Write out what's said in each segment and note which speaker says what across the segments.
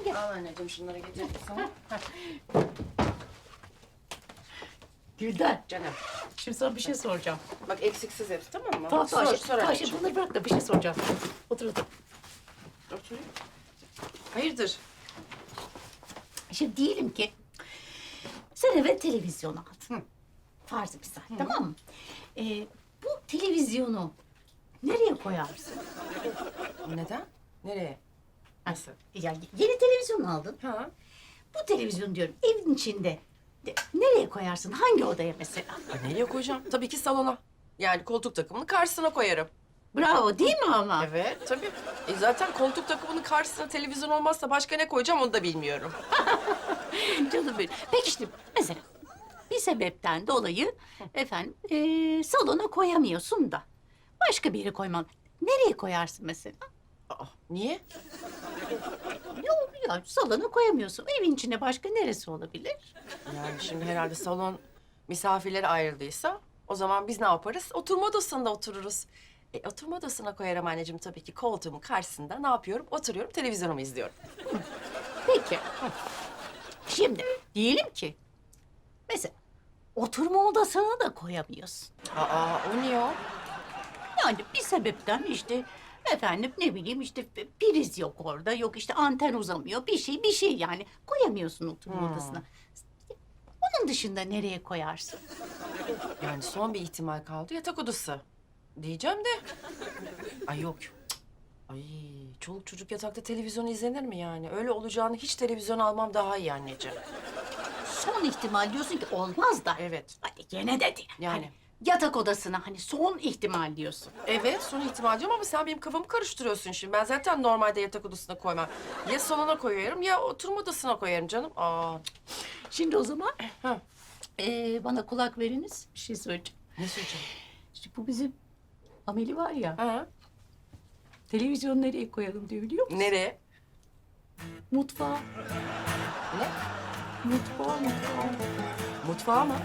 Speaker 1: Hadi.
Speaker 2: Al anneciğim şunları getirdim sana.
Speaker 3: Gülden,
Speaker 2: Canım.
Speaker 3: şimdi sana bir şey soracağım.
Speaker 2: Bak eksiksiz hepsi tamam mı?
Speaker 3: Tamam,
Speaker 2: sor
Speaker 3: tamam,
Speaker 2: anneciğim.
Speaker 3: şimdi bunları bırak da bir şey soracağım. Otur, otur.
Speaker 2: Oturayım. Hayırdır?
Speaker 3: Şimdi diyelim ki sen eve televizyon aldın. Farz misal, tamam mı? Bu televizyonu nereye koyarsın?
Speaker 2: Neden? Nereye? Nasıl?
Speaker 3: Ya yeni televizyon aldın.
Speaker 2: Ha?
Speaker 3: Bu televizyon diyorum evin içinde. Nereye koyarsın? Hangi odaya mesela?
Speaker 2: Nereye koyacağım? Tabii ki salona. Yani koltuk takımını karşısına koyarım.
Speaker 3: Bravo değil mi ama?
Speaker 2: Evet tabii. Zaten koltuk takımının karşısına televizyon olmazsa başka ne koyacağım onu da bilmiyorum.
Speaker 3: Canım benim. Peki işte mesela bir sebepten dolayı efendim salona koyamıyorsun da başka bir yere koyman. Nereye koyarsın mesela?
Speaker 2: Aa, niye?
Speaker 3: Yok ya salona koyamıyorsun. Evin içinde başka neresi olabilir?
Speaker 2: Yani şimdi herhalde salon misafirlere ayrıldıysa o zaman biz ne yaparız? Oturma odasında otururuz. Oturma odasına koyarım anneciğim tabii ki koltuğumun karşısında ne yapıyorum? Oturuyorum, televizyonumu izliyorum.
Speaker 3: Peki. Şimdi diyelim ki mesela oturma odasına da koyamıyorsun.
Speaker 2: Aa, o niye o?
Speaker 3: Yani bir sebepten işte efendim ne bileyim işte priz yok orada, yok işte anten uzamıyor, bir şey yani koyamıyorsun oturma odasına. Onun dışında nereye koyarsın?
Speaker 2: Yani son bir ihtimal kaldı yatak odası. Diyeceğim de. Ay yok. Cık. Ay çoluk çocuk yatakta televizyon izlenir mi yani? Öyle olacağını hiç televizyon almam daha iyi anneciğim.
Speaker 3: Son ihtimal diyorsun ki olmaz da.
Speaker 2: Evet.
Speaker 3: Hadi gene dedi.
Speaker 2: Yani.
Speaker 3: Hani yatak odasına hani son ihtimal diyorsun.
Speaker 2: Evet son ihtimal diyorum ama sen benim kafamı karıştırıyorsun şimdi. Ben zaten normalde yatak odasına koymam. Ya salona koyarım ya oturma odasına koyarım canım. Aa.
Speaker 3: Şimdi o zaman
Speaker 2: Ha.
Speaker 3: bana kulak veriniz, bir şey söyleyeceğim.
Speaker 2: Ne söyleyeceğim?
Speaker 3: İşte bu bizim Ameli var ya,
Speaker 2: Ha?
Speaker 3: televizyonu nereye koyalım diyor biliyor musun?
Speaker 2: Nereye?
Speaker 3: Mutfağa,
Speaker 2: Ne?
Speaker 3: mutfağa.
Speaker 2: Mutfağa mı?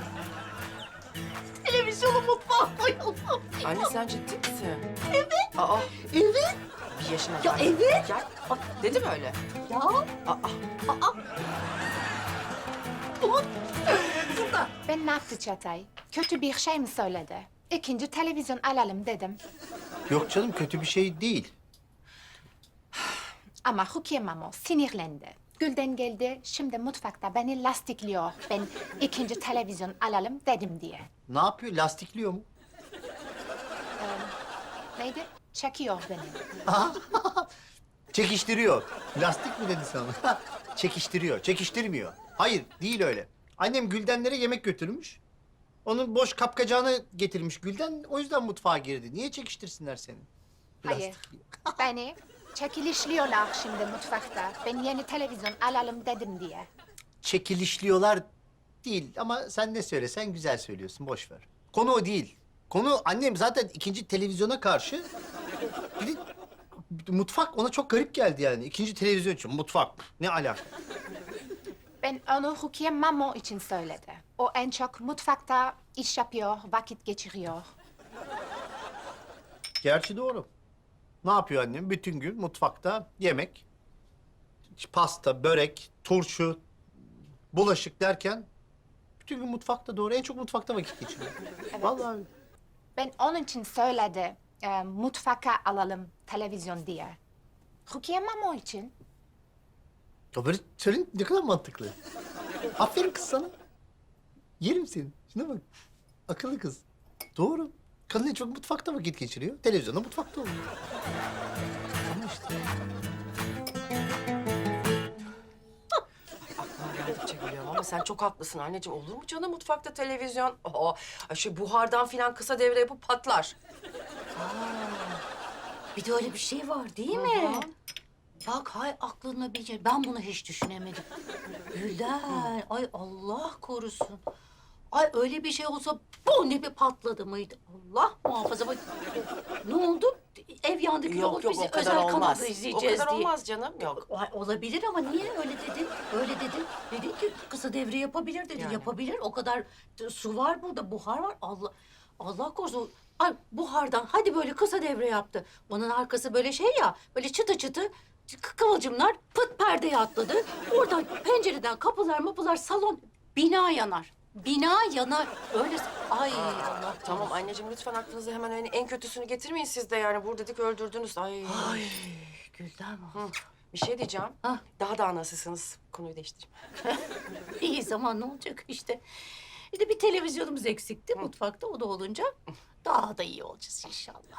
Speaker 3: Televizyonu mutfağa koyalım.
Speaker 2: Anne sen ciddi misin? Evet. Aa
Speaker 3: Evet,
Speaker 2: bir yaşına
Speaker 3: ya
Speaker 2: bak.
Speaker 3: evet.
Speaker 2: Ya dedi mi öyle?
Speaker 3: Ya,
Speaker 2: Aa.
Speaker 1: Ben ne yaptı Çatay? Kötü bir şey mi söyledi? İkinci televizyon alalım dedim.
Speaker 4: Yok canım kötü bir şey değil.
Speaker 1: Ama Rukiye Mamo sinirlendi. Gülden geldi, şimdi mutfakta beni lastikliyor. Ben ikinci televizyon alalım dedim diye.
Speaker 4: Ne yapıyor? Lastikliyor mu?
Speaker 1: Neydi? Çekiyor beni.
Speaker 4: Çekiştiriyor. Lastik mi dedi sana? Çekiştiriyor. Çekiştirmiyor. Hayır değil öyle. Annem Güldenlere yemek götürmüş. Onun boş kapkacağını getirmiş Gülden. O yüzden mutfağa girdi. Niye çekiştirsinler seni?
Speaker 1: Hayır. Beni çekilişliyorlar şimdi mutfakta. Ben yeni televizyon alalım dedim diye.
Speaker 4: Çekilişliyorlar değil ama sen ne söylesen güzel söylüyorsun. Boş ver. Konu o değil. Konu annem zaten ikinci televizyona karşı. Bir de mutfak ona çok garip geldi yani. İkinci televizyon için mutfak. Ne alaka?
Speaker 1: Ben onu Rukiye Mamo için söyledi. O en çok mutfakta iş yapıyor, vakit geçiriyor.
Speaker 4: Gerçi doğru. Ne yapıyor annem? Bütün gün mutfakta yemek, pasta, börek, turşu, bulaşık derken bütün gün mutfakta doğru. En çok mutfakta vakit geçiriyor. Vallahi öyle.
Speaker 1: Ben onun için söyledi, mutfaka alalım televizyon diye. Rukiye Mamo için.
Speaker 4: Ya böyle söyleyin ne kadar mantıklı. Aferin kız sana. Yerim seni. Şuna bak. Akıllı kız. Doğru. Kadın en çok mutfakta vakit geçiriyor. Televizyonda mutfakta oluyor. Ama işte.
Speaker 2: Aklıma geldikçe gülüyorum ama sen çok haklısın anneciğim. Olur mu canım mutfakta televizyon? Aa, şu buhardan filan kısa devre yapıp patlar.
Speaker 3: Bir de öyle bir şey var değil mi? Bak hay aklına bir şey. Ben bunu hiç düşünemedim. Gülden, ay Allah korusun. Ay öyle bir şey olsa bu ne bir patladı mıydı? Allah muhafaza. Bak, ne oldu? Ev yandı kül oldu. Biz
Speaker 2: o kadar
Speaker 3: özel
Speaker 2: olmaz.
Speaker 3: kanalda
Speaker 2: O
Speaker 3: izleyeceğiz
Speaker 2: kadar
Speaker 3: diye.
Speaker 2: olmaz canım. Yok.
Speaker 3: Ay, olabilir ama niye öyle dedin? Öyle dedin. Dedin ki kısa devre yapabilir dedi.
Speaker 2: Yani.
Speaker 3: Yapabilir. O kadar su var burada, buhar var. Allah korusun. Ay buhardan hadi böyle kısa devre yaptı. Onun arkası böyle şey ya, böyle çıtı çıtı. Kıvılcımlar pıt perdeye atladı. Oradan pencereden kapılar mapılar salon bina yanar. Bina yanar. Öyle ay Allah.
Speaker 2: Tamam anneciğim lütfen aklınıza hemen hani en kötüsünü getirmeyin siz de yani. Vur dedik öldürdünüz. Ay.
Speaker 3: Gülden
Speaker 2: Hı. Bir şey diyeceğim.
Speaker 3: Ha.
Speaker 2: Daha da nasılsınız? Konuyu değiştireyim.
Speaker 3: iyi zaman ne olacak işte. İşte bir televizyonumuz eksikti mutfakta. O da olunca daha da iyi olacağız inşallah.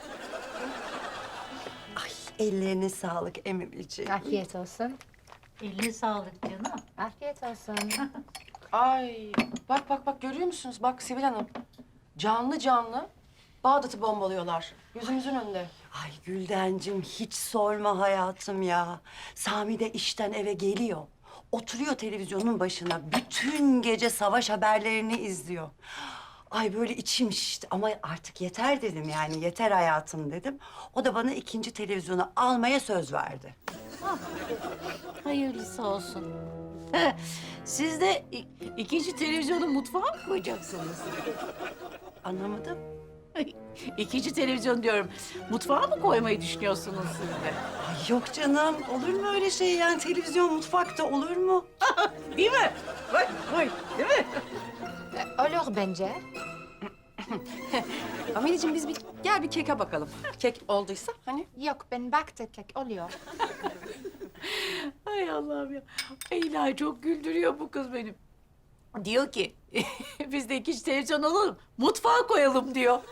Speaker 5: Ay ellerine sağlık Emimciğim.
Speaker 1: Afiyet olsun.
Speaker 3: Eline sağlık canım.
Speaker 1: Afiyet olsun.
Speaker 2: Ay bak görüyor musunuz? Bak Sibel Hanım. Canlı canlı Bağdat'ı bombalıyorlar. Yüzümüzün önünde.
Speaker 5: Ay Güldencim hiç sorma hayatım ya. Sami de işten eve geliyor. Oturuyor televizyonun başına. Bütün gece savaş haberlerini izliyor. Ay böyle içim şişti ama artık yeter dedim yani yeter hayatım dedim. O da bana ikinci televizyonu almaya söz verdi.
Speaker 3: Hayırlısı olsun. Siz de ikinci televizyonu mutfağa mı koyacaksınız?
Speaker 5: Anlamadım.
Speaker 3: İkinci televizyon diyorum. Mutfağa mı koymayı düşünüyorsunuz siz de?
Speaker 5: Ay yok canım olur mu öyle şey yani televizyon mutfakta olur mu?
Speaker 3: Değil mi? Vay, değil mi?
Speaker 1: Olur bence.
Speaker 2: Ameliciğim biz gel bir keke bakalım. Kek olduysa hani.
Speaker 1: Yok, ben baktım kek oluyor.
Speaker 3: Ay Allah'ım ya. Ay ilahi çok güldürüyor bu kız benim. Diyor ki biz de ikinci televizyon alalım. Mutfağa koyalım diyor.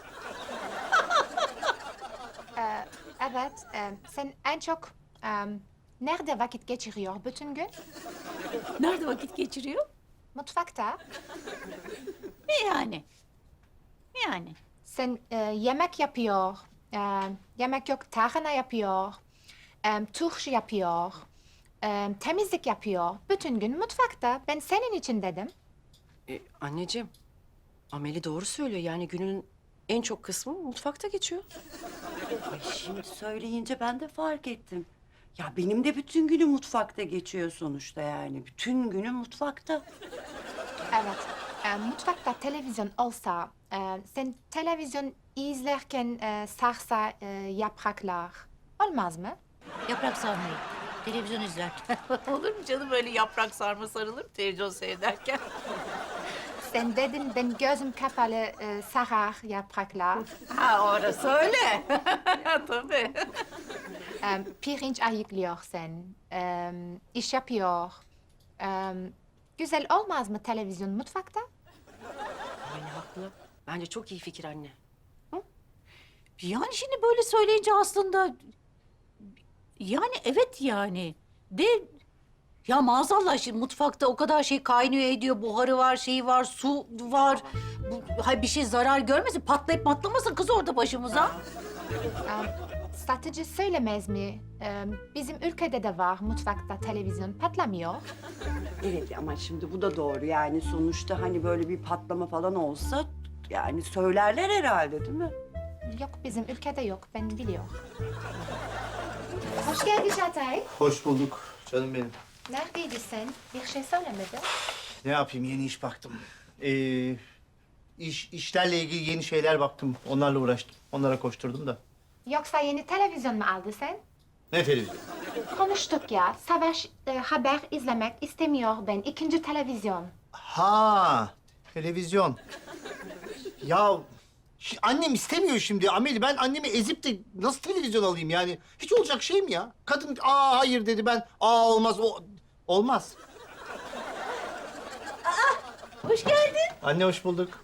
Speaker 1: Evet, sen en çok nerede vakit geçiriyor bütün gün?
Speaker 3: Nerede vakit geçiriyor?
Speaker 1: Mutfakta.
Speaker 3: Ne yani? Yani.
Speaker 1: Sen yemek yapıyor, yemek yok tarhana yapıyor, turşu yapıyor, temizlik yapıyor. Bütün gün mutfakta. Ben senin için dedim.
Speaker 2: Anneciğim, Ameli doğru söylüyor. Yani günün en çok kısmı mutfakta geçiyor.
Speaker 5: Ay şimdi söyleyince ben de fark ettim. Ya benim de bütün günüm mutfakta geçiyor sonuçta yani. Bütün günüm mutfakta.
Speaker 1: Evet, mutfakta televizyon olsa, sen televizyon izlerken sarsa yapraklar olmaz mı?
Speaker 3: Yaprak sarmayı. Televizyon izlerken. Olur mu canım öyle yaprak sarma sarılır mı televizyon seyrederken?
Speaker 1: Sen dedin ben gözüm kapalı sarar yapraklar.
Speaker 3: Ha orası öyle. Tabii.
Speaker 1: Pirinç ayıklıyor sen, iş yapıyor. Güzel olmaz mı televizyon mutfakta?
Speaker 2: Ameli haklı. Bence çok iyi fikir anne.
Speaker 3: Yani şimdi böyle söyleyince aslında... Yani evet yani. De ya maazallah şimdi mutfakta o kadar şey kaynıyor ediyor. Buharı var, şeyi var, su var. Hay bir şey zarar görmesin, patlayıp patlamasın kız orada başımıza.
Speaker 1: Satıcı söylemez mi? Bizim ülkede de var mutfakta televizyon patlamıyor.
Speaker 5: Evet ama şimdi bu da doğru yani sonuçta hani böyle bir patlama falan olsa yani söylerler herhalde değil mi?
Speaker 1: Yok bizim ülkede yok ben biliyorum. Hoş geldin Çağatay.
Speaker 4: Hoş bulduk canım benim.
Speaker 1: Neredeydin sen? Bir şey söylemedin.
Speaker 4: Ne yapayım yeni iş baktım. İşlerle ilgili yeni şeyler baktım. Onlarla uğraştım. Onlara koşturdum da.
Speaker 1: Yoksa yeni televizyon mu aldın sen?
Speaker 4: Ne televizyon?
Speaker 1: Konuştuk ya. Savaş haber izlemek istemiyor ben. İkinci televizyon.
Speaker 4: Ha, televizyon. Ya annem istemiyor şimdi Ameli. Ben annemi ezip de nasıl televizyon alayım yani? Hiç olacak şey mi ya? Kadın hayır dedi ben olmaz o olmaz.
Speaker 3: Hoş geldin.
Speaker 4: Anne hoş bulduk.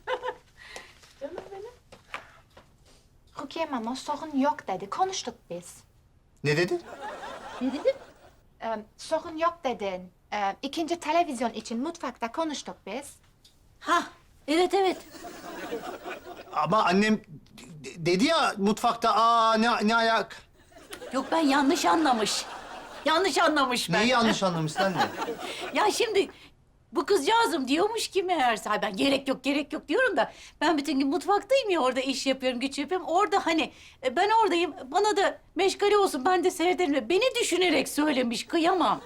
Speaker 1: Rukiye mama sorun yok dedi. Konuştuk biz.
Speaker 4: Ne dedi?
Speaker 3: Ne dedin?
Speaker 1: Sorun yok dedin. İkinci televizyon için mutfakta konuştuk biz.
Speaker 3: Ha evet evet.
Speaker 4: Ama annem dedi ya mutfakta ne ayak.
Speaker 3: Yok ben yanlış anlamış. Yanlış anlamış ben.
Speaker 4: Neyi yanlış anlamışsın anne?
Speaker 3: Ya şimdi bu kızcağızım diyormuş ki meğerse "Ay ben gerek yok diyorum da ben bütün gün mutfaktayım ya orada iş yapıyorum güç yapıyorum. Orada hani ben oradayım bana da meşgale olsun ben de seyrederim. Beni düşünerek söylemiş kıyamam.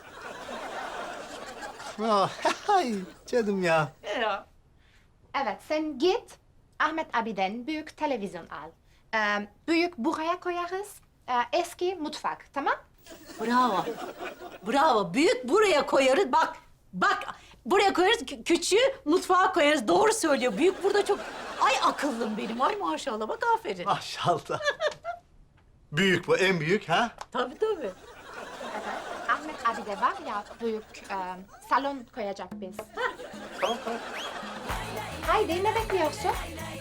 Speaker 4: Ay canım ya.
Speaker 3: Ya.
Speaker 1: Evet sen git Ahmet abiden büyük televizyon al. Büyük buraya koyarız. Eski mutfak tamam?
Speaker 3: Bravo. Bravo. Büyük buraya koyarız. Bak, bak. Buraya koyarız, küçüğü mutfağa koyarız. Doğru söylüyor. Büyük burada çok... Ay akıllım benim. Ay maşallah. Bak aferin.
Speaker 4: Maşallah. Büyük bu, en büyük ha?
Speaker 3: Tabii tabii.
Speaker 1: Evet. Ahmet abi de var ya büyük salon koyacak biz.
Speaker 4: Tamam, tamam.
Speaker 1: Haydi ne bekliyorsun?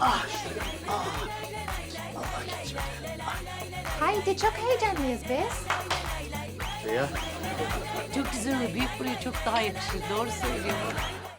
Speaker 1: Haydi çok heyecanlıyız biz.
Speaker 4: Ya.
Speaker 3: Çok güzel oluyor. Büyük buraya çok daha yakışır. Doğru söylüyor.